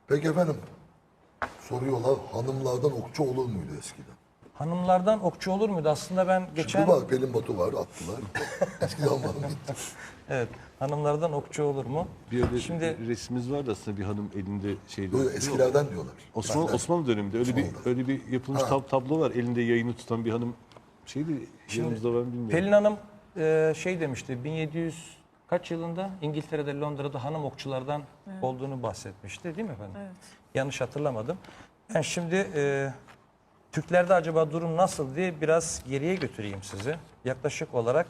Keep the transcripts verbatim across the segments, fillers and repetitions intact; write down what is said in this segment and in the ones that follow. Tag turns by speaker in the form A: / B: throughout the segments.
A: Peki efendim, soruyorlar hanımlardan okçu olur muydu eskiden?
B: Hanımlardan okçu olur muydu? Aslında ben geçen...
A: Şimdi bak Pelin Batu var, attılar. Eskiden hanım gitti.
B: Evet, hanımlardan okçu olur mu?
C: Bir öyle
B: Şimdi
C: resmimiz var da aslında bir hanım elinde şeyde.
A: Böyle eskilerden diyorlar.
C: Osmanlı,
A: Benden.
C: Osmanlı döneminde öyle bir
A: Osmanlı'da.
C: öyle bir yapılmış tab- tablo var. Elinde yayını tutan bir hanım şeydi. Yanımızda var mı bilmiyorum.
B: Pelin Hanım e, şey demişti, bin yedi yüz kaç yılında İngiltere'de, Londra'da hanım okçulardan olduğunu bahsetmişti değil mi efendim?
D: Evet.
B: Yanlış hatırlamadım. Ben şimdi e, Türklerde acaba durum nasıl diye biraz geriye götüreyim sizi. Yaklaşık olarak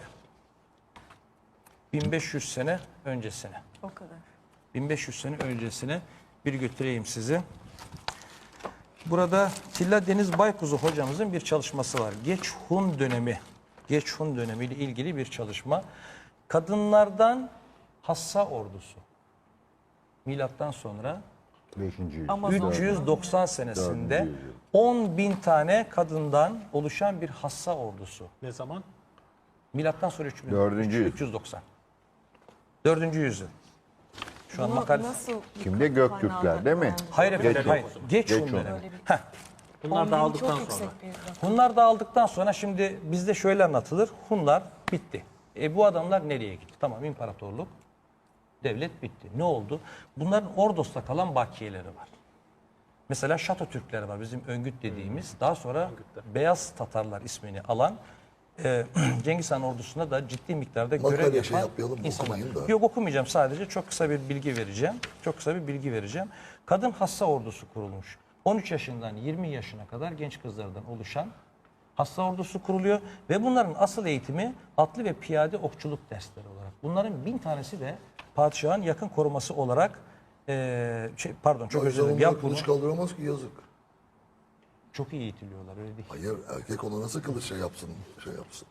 B: bin beş yüz sene öncesine.
D: O kadar.
B: bin beş yüz sene öncesine bir götüreyim sizi. Burada Tilla Deniz Baykuzu hocamızın bir çalışması var. Geç Hun dönemi, Geç Hun dönemi ile ilgili bir çalışma. Kadınlardan Hassa ordusu. Milattan sonra
E: beşinci yüzyıl.
D: Amazon.
B: üç yüz doksan senesinde on bin tane kadından oluşan bir Hassa ordusu.
F: Ne zaman?
B: Milattan sonra üç bin,
E: Dördüncü yüzyıl.
B: üç yüz doksan. Dördüncü yüzyıl. Şu an
D: Bunu
B: makale...
D: nasıl
E: Kimde? Göktürkler değil mi?
B: Hayır efendim,
E: Geç
B: hayır.
E: Hun.
B: Geç,
E: Geç
B: Hun
E: Hun.
B: dönemi.
D: Öyle bir-
B: Heh.
F: Bunlar
D: on bin
F: dağıldıktan
D: çok
F: sonra.
D: yüksek bir rakam.
B: Hunlar dağıldıktan sonra şimdi bizde şöyle anlatılır. Hunlar bitti. E bu adamlar nereye gitti? Tamam, imparatorluk, devlet bitti. Ne oldu? Bunların Ordos'ta kalan bakiyeleri var. Mesela Şato Türkleri var, bizim Öngüt dediğimiz. Daha sonra Beyaz Tatarlar ismini alan e, Cengiz Han ordusunda da ciddi miktarda görev
A: Makale
B: yapan
A: şey yapmayalım,
B: insanlar.
A: okumayın da.
B: Yok, okumayacağım, sadece çok kısa bir bilgi vereceğim. Çok kısa bir bilgi vereceğim. Kadın Hassa ordusu kurulmuş. on üç yaşından yirmi yaşına kadar genç kızlardan oluşan Hassa ordusu kuruluyor ve bunların asıl eğitimi atlı ve piyade okçuluk dersleri olarak. Bunların bin tanesi de padişahın yakın koruması olarak e, şey, pardon çok
A: O
B: özür
A: yüzden
B: dilerim.
A: onlar
B: Yap bunu.
A: kılıç kaldıramaz ki yazık.
B: Çok iyi eğitiliyorlar, öyle değil.
A: Hayır, erkek ona nasıl kılıç şey yapsın, şey yapsın.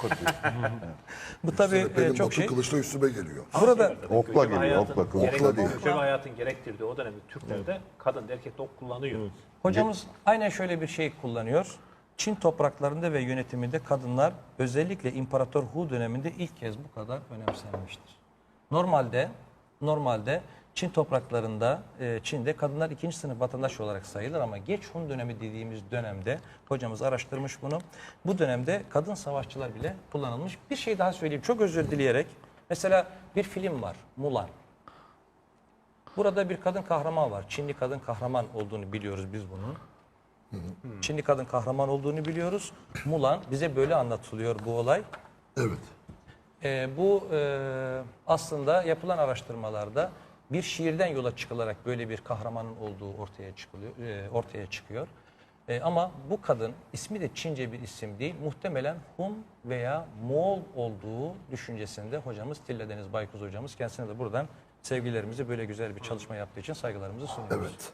B: Bu tabii
A: Üstüne Pelin
B: e, çok
A: Batu
B: şey.
A: kılıçla üstüme geliyor.
B: Burada
E: Okla
F: Göçebe
E: geliyor,
F: hayatın-
E: okla, kılıçla
F: gerek-
E: değil.
F: Göçebe hayatın gerektirdiği o dönemde Türklerde kadın da erkek de ok kullanıyor.
B: hocamız aynen şöyle bir şey kullanıyor. Çin topraklarında ve yönetiminde kadınlar özellikle İmparator Hu döneminde ilk kez bu kadar önemsenmiştir. Normalde normalde Çin topraklarında, e, Çin'de kadınlar ikinci sınıf vatandaş olarak sayılır ama geç Hun dönemi dediğimiz dönemde hocamız araştırmış bunu. Bu dönemde kadın savaşçılar bile kullanılmış. Bir şey daha söyleyeyim çok özür dileyerek. Mesela bir film var, Mulan. Burada bir kadın kahraman var. Çinli kadın kahraman olduğunu biliyoruz biz bunun. Çinli kadın kahraman olduğunu biliyoruz. Mulan bize böyle anlatılıyor bu olay.
A: Evet.
B: Ee, bu e, aslında yapılan araştırmalarda bir şiirden yola çıkılarak böyle bir kahramanın olduğu ortaya çıkılıyor, e, ortaya çıkıyor. E, ama bu kadın ismi de Çince bir isim değil. Muhtemelen Hun veya Moğol olduğu düşüncesinde hocamız Tilla Deniz Baykuz hocamız, kendisine de buradan sevgilerimizi, böyle güzel bir çalışma yaptığı için saygılarımızı sunuyoruz.
A: Evet.